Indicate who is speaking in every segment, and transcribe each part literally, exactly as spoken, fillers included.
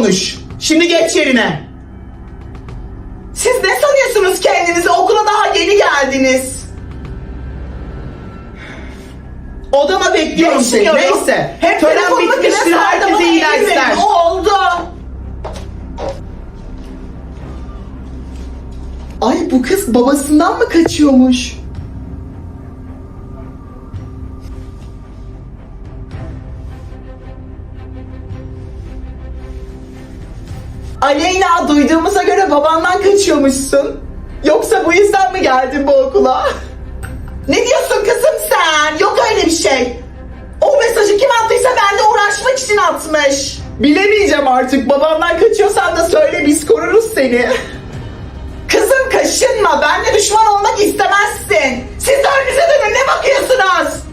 Speaker 1: konuş. Şimdi geç yerine. Siz ne sanıyorsunuz kendinizi? Okula daha yeni geldiniz. Odama bekliyorum seni.
Speaker 2: Geçmiyorum.
Speaker 1: Neyse.
Speaker 2: Hep
Speaker 1: Tören
Speaker 2: telefonuma
Speaker 1: bitmiştir.
Speaker 2: bile sardı,
Speaker 1: Herkese
Speaker 2: bana
Speaker 1: iyi
Speaker 2: eğilmedi.
Speaker 1: dersler.
Speaker 2: Ne oldu?
Speaker 1: Ay bu kız babasından mı kaçıyormuş? Aleyna, duyduğumuza göre babandan kaçıyormuşsun. Yoksa bu yüzden mi geldin bu okula? Ne diyorsun kızım sen? Yok öyle bir şey. O mesajı kim attıysa benimle uğraşmak için atmış. Bilemeyeceğim artık. Babandan kaçıyorsan da söyle, biz koruruz seni. Kızım kaşınma. Benimle düşman olmak istemezsin. Siz de önünüze dönün. Ne bakıyorsunuz?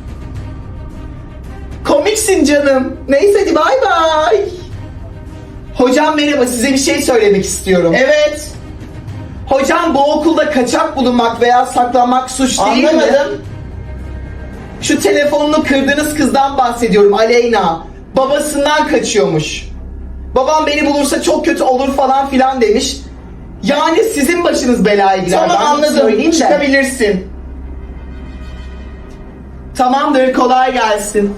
Speaker 1: Komiksin canım. Neyse hadi bay bay. Hocam merhaba, size bir şey söylemek istiyorum. Evet. Hocam bu okulda kaçak bulunmak veya saklanmak suç değil mi?
Speaker 2: Anlamadım.
Speaker 1: Şu telefonunu kırdığınız kızdan bahsediyorum, Aleyna. Babasından kaçıyormuş. Babam beni bulursa çok kötü olur falan filan demiş. Yani sizin başınız belaya girer.
Speaker 2: Tamam,
Speaker 1: Ben
Speaker 2: anladım.
Speaker 1: söyleyeyim de.
Speaker 2: Çıkabilirsin.
Speaker 1: Tamamdır, kolay gelsin.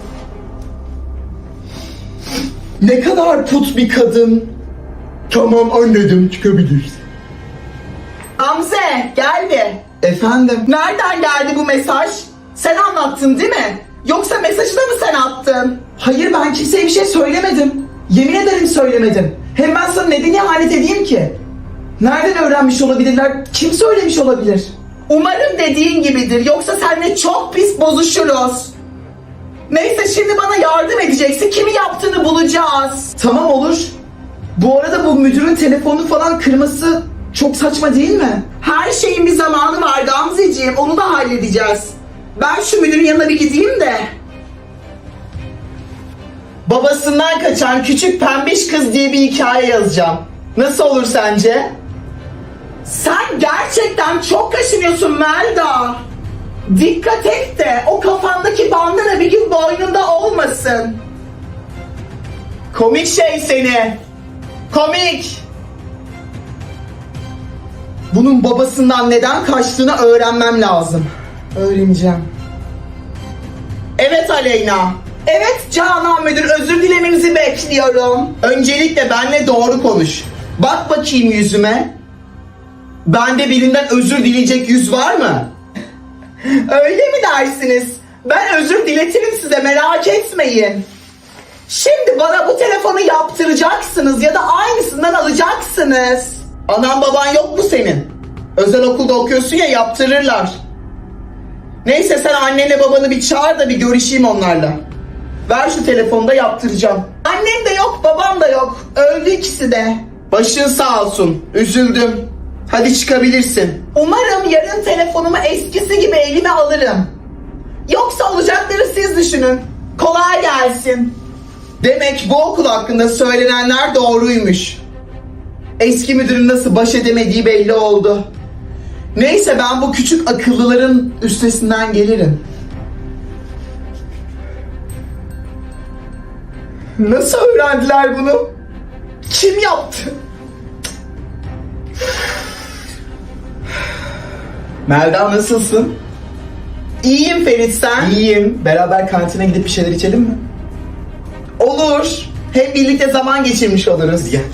Speaker 1: Ne kadar put bir kadın.
Speaker 2: Tamam anladım, çıkabilirsin.
Speaker 1: Gamze gel bir.
Speaker 2: Efendim?
Speaker 1: Nereden geldi bu mesaj? Sen anlattın değil mi? Yoksa mesajı da mı sen attın? Hayır, ben kimseye bir şey söylemedim. Yemin ederim söylemedim. Hem ben sana neden ihanet edeyim ki? Nereden öğrenmiş olabilirler? Kim söylemiş olabilir? Umarım dediğin gibidir. Yoksa seninle çok pis bozuşuruz. Neyse, şimdi bana yardım edeceksin. Kimi yaptığını bulacağız. Tamam, olur. Bu arada bu müdürün telefonu falan kırması çok saçma değil mi? Her şeyin bir zamanı var Gamzeciğim. Onu da halledeceğiz. Ben şu müdürün yanına bir gideyim de. Babasından kaçan küçük pembiş kız diye bir hikaye yazacağım. Nasıl olur sence? Sen gerçekten çok kaşınıyorsun Melda. Dikkat et de o kafandaki bandana bir gün boynunda olmasın. Komik şey seni. Komik. Bunun babasından neden kaçtığını öğrenmem lazım. Öğreneceğim. Evet Aleyna. Evet Canan Müdür, özür dilemenizi bekliyorum. Öncelikle benimle doğru konuş. Bak bakayım yüzüme. Bende birinden özür dileyecek yüz var mı? Öyle mi dersiniz? Ben özür diletirim size, merak etmeyin. Şimdi bana bu telefonu yaptıracaksınız ya da aynısından alacaksınız. Anan baban yok mu senin? Özel okulda okuyorsun ya, yaptırırlar. Neyse sen annenle babanı bir çağır da bir görüşeyim onlarla. Ver şu telefonu da yaptıracağım. Annem de yok, babam da yok. Öldü ikisi de. Başın sağ olsun. Üzüldüm. Hadi çıkabilirsin. Umarım yarın telefonumu eskisi gibi elime alırım. Yoksa olacakları siz düşünün. Kolay gelsin. Demek bu okul hakkında söylenenler doğruymuş. Eski müdürün nasıl baş edemediği belli oldu. Neyse, ben bu küçük akıllıların üstesinden gelirim. Nasıl öğrendiler bunu? Kim yaptı? Melda, nasılsın? İyiyim Ferit, sen? İyiyim. Beraber kantine gidip bir şeyler içelim mi? Olur. Hep birlikte zaman geçirmiş oluruz. Gel.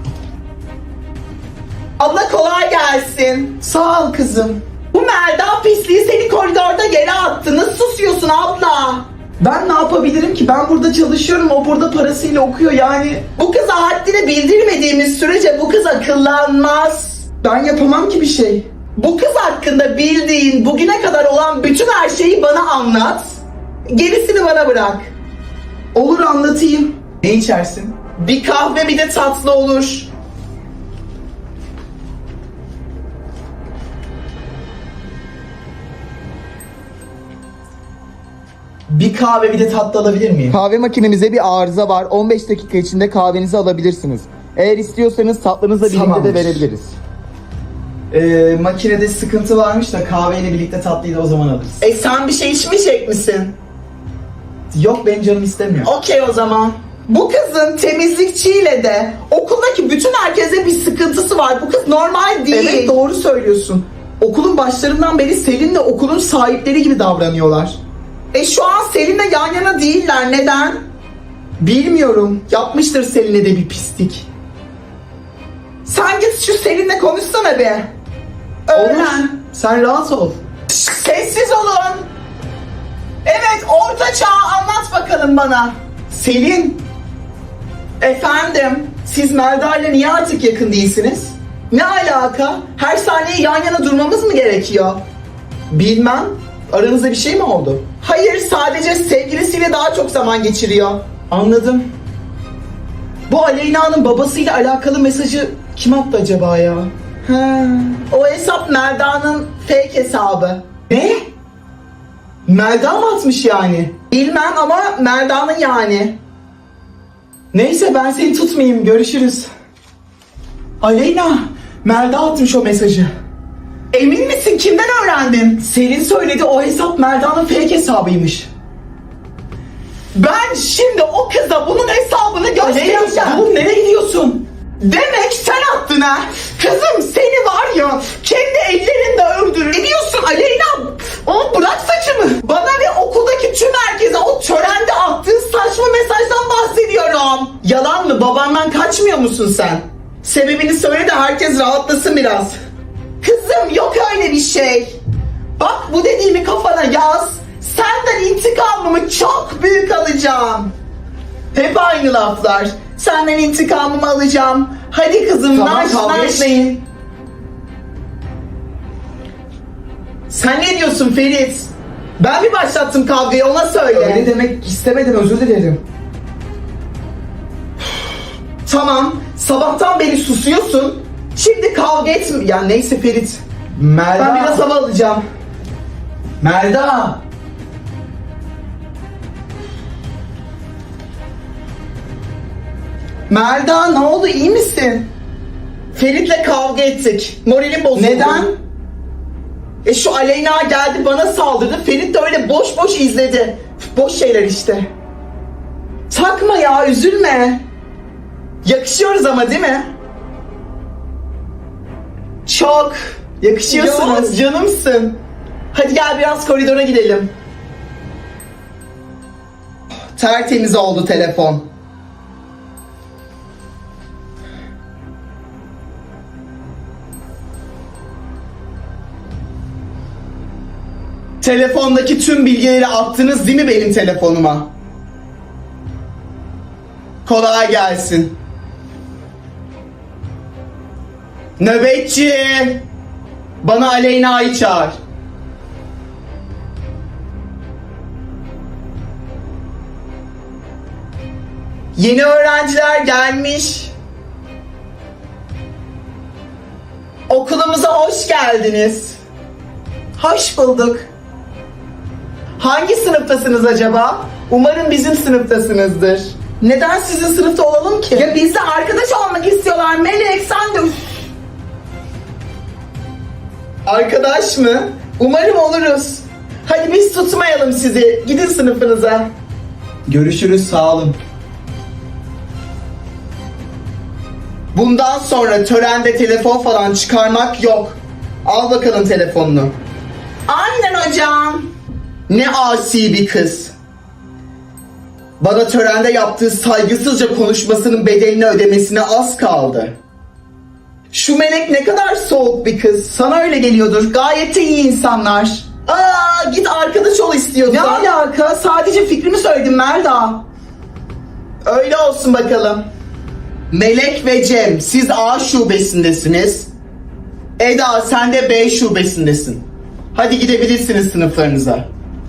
Speaker 1: Abla kolay gelsin. Sağ ol kızım. Bu Melda pisliği seni koridorda yere attı. Nasıl susuyorsun abla? Ben ne yapabilirim ki? Ben burada çalışıyorum. O burada parasıyla okuyor yani. Bu kıza haddini bildirmediğimiz sürece bu kız akıllanmaz. Ben yapamam ki bir şey. Bu kız hakkında bildiğin, bugüne kadar olan bütün her şeyi bana anlat. Gerisini bana bırak. Olur, anlatayım. Ne içersin? Bir kahve, bir de tatlı olur. Bir kahve, bir de tatlı alabilir miyim?
Speaker 3: Kahve makinemize bir arıza var. on beş dakika içinde kahvenizi alabilirsiniz. Eğer istiyorsanız tatlınızla birlikte
Speaker 1: Tamamdır.
Speaker 3: de verebiliriz.
Speaker 1: Ee, makinede sıkıntı varmış da kahveyle birlikte tatlıyı da o zaman alırız. E sen bir şey içmeyecek misin? Yok, benim canım istemiyor. Okey o zaman. Bu kızın temizlikçiyle de okuldaki bütün herkese bir sıkıntısı var. Bu kız normal değil.
Speaker 2: Evet,
Speaker 1: doğru söylüyorsun. Okulun başlarından beri Selin'le okulun sahipleri gibi davranıyorlar. E şu an Selin'le yan yana değiller. Neden? Bilmiyorum. Yapmıştır Selin'e de bir pislik. Sen git şu Selin'le konuşsana be. Öğren.
Speaker 2: Sen rahat ol.
Speaker 1: Sessiz olun. Evet, orta çağ anlat bakalım bana. Selin. Efendim, siz Melda ile niye artık yakın değilsiniz? Ne alaka? Her saniye yan yana durmamız mı gerekiyor? Bilmem. Aranızda bir şey mi oldu? Hayır, sadece sevgilisiyle daha çok zaman geçiriyor. Anladım. Bu Aleyna'nın babasıyla alakalı mesajı kim attı acaba ya? Ha, o hesap Melda'nın fake hesabı. Ne? Melda mı atmış yani? Bilmem ama Melda'nın yani. Neyse ben seni tutmayayım. Görüşürüz. Aleyna, Melda atmış o mesajı. Emin misin? Kimden öğrendin? Selin söyledi, o hesap Melda'nın fake hesabıymış. Ben şimdi o kıza bunun hesabını göstereceğim. Dur, nereye gidiyorsun? Demek sen attın ha. Kızım seni var ya kendi ellerinde öldürür. Ne diyorsun Aleyna? Oğlum bırak saçımı. Bana ve okuldaki tüm herkese o törende attığın saçma mesajdan bahsediyorum. Yalan mı? Babandan kaçmıyor musun sen? Sebebini söyle de herkes rahatlasın biraz. Kızım yok öyle bir şey. Bak bu dediğimi kafana yaz. Senden intikamımı çok büyük alacağım. Hep aynı laflar. Senden intikamımı alacağım. Hadi kızım,
Speaker 2: Tamam,
Speaker 1: naş
Speaker 2: kavga
Speaker 1: naş.
Speaker 2: etmeyin.
Speaker 1: Sen ne diyorsun Ferit? Ben mi başlattım kavgayı, ona söyle.
Speaker 2: Öyle demek istemedim, özür dilerim.
Speaker 1: Tamam, sabahtan beri susuyorsun. Şimdi kavga etme. Ya neyse Ferit.
Speaker 2: Melda.
Speaker 1: Ben biraz hava alacağım.
Speaker 2: Melda.
Speaker 1: Melda ne oldu, iyi misin? Ferit'le kavga ettik. Moralim bozuldu.
Speaker 2: Neden?
Speaker 1: E şu Aleyna geldi bana saldırdı. Ferit de öyle boş boş izledi. Boş şeyler işte. Takma ya, üzülme. Yakışıyoruz ama değil mi? Çok. Yakışıyorsunuz, canımsın. Hadi gel biraz koridora gidelim. Tertemiz oldu telefon. Telefondaki tüm bilgileri attınız değil mi benim telefonuma? Kolay gelsin. Nöbetçi! Bana Aleyna'yı çağır. Yeni öğrenciler gelmiş. Okulumuza hoş geldiniz. Hoş bulduk. Hangi sınıftasınız acaba? Umarım bizim sınıftasınızdır. Neden sizin sınıfta olalım ki? Ya bizle arkadaş olmak istiyorlar Melek, sen de... Arkadaş mı? Umarım oluruz. Hadi biz tutmayalım sizi. Gidin sınıfınıza.
Speaker 2: Görüşürüz, sağ olun.
Speaker 1: Bundan sonra törende telefon falan çıkarmak yok. Al bakalım telefonunu. Aynen hocam. Ne asi bir kız. Bana törende yaptığı saygısızca konuşmasının bedelini ödemesine az kaldı. Şu Melek ne kadar soğuk bir kız. Sana öyle geliyordur. Gayet de iyi insanlar. Aa, git arkadaş ol istiyorsan. Ne alaka? Sadece fikrimi söyledim Melda. Öyle olsun bakalım. Melek ve Cem, siz A şubesindesiniz. Eda, sen de B şubesindesin. Hadi gidebilirsiniz sınıflarınıza.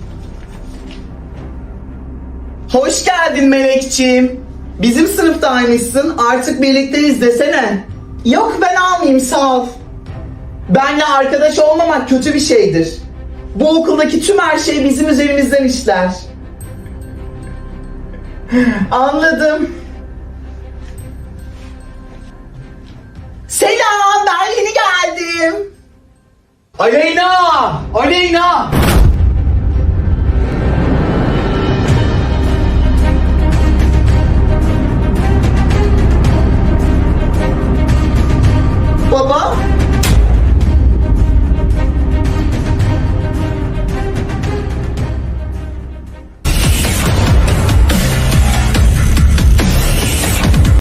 Speaker 1: Hoş geldin Melekciğim. Bizim sınıftaymışsın. Artık birlikteyiz desene. Yok, ben almayayım, sağ ol. Benle arkadaş olmamak kötü bir şeydir. Bu okuldaki tüm her şey bizim üzerimizden işler. Anladım. Selam, ben yeni geldim.
Speaker 2: Aleyna! Aleyna!
Speaker 1: baba?